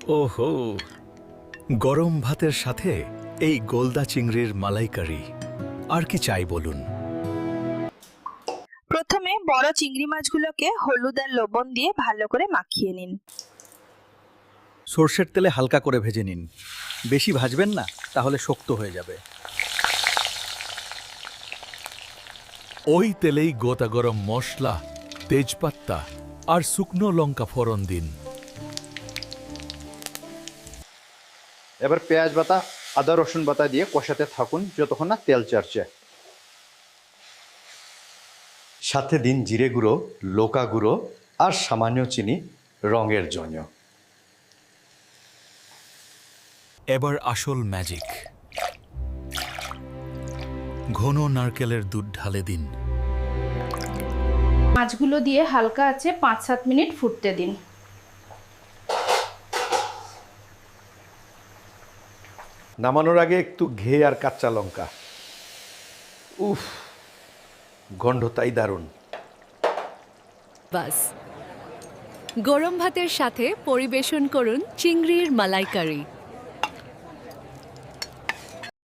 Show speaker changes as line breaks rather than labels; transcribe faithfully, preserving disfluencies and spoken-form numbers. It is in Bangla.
ওহো, গরম ভাতের সাথে এই গোলদা চিংড়ির মালাইকারি, আর কি চাই বলুন।
প্রথমে বড় চিংড়ি মাছগুলোকে হলুদ আর লবণ দিয়ে ভালো করে মাখিয়ে নিন।
সর্ষের তেলে হালকা করে ভেজে নিন, বেশি ভাজবেন না, তাহলে শক্ত হয়ে যাবে।
ওই তেলেই গোটা গরম মশলা, তেজপাতা আর শুকনো লঙ্কা ফোড়ন দিন।
এবার পেঁয়াজ বাটা, আদা রসুন বাটা দিয়ে কষাতে থাকুন যতক্ষণ না তেল ছাড়ছে। সাথে দিন জিরে গুঁড়ো, লঙ্কা গুঁড়ো আর সামান্য চিনি রঙের জন্য।
এবার আসল ম্যাজিক, ঘন নারকেলের দুধ ঢালে দিন।
মাছগুলো দিয়ে হালকা আছে পাঁচ সাত মিনিট ফুটতে দিন।
নামানোর আগে একটু ঘে আর কাঁচা লঙ্কা। উফ, গন্ধ তাই দারুণ।
বাস, গরম ভাতের সাথে পরিবেশন করুন চিংড়ির মালাইকারি।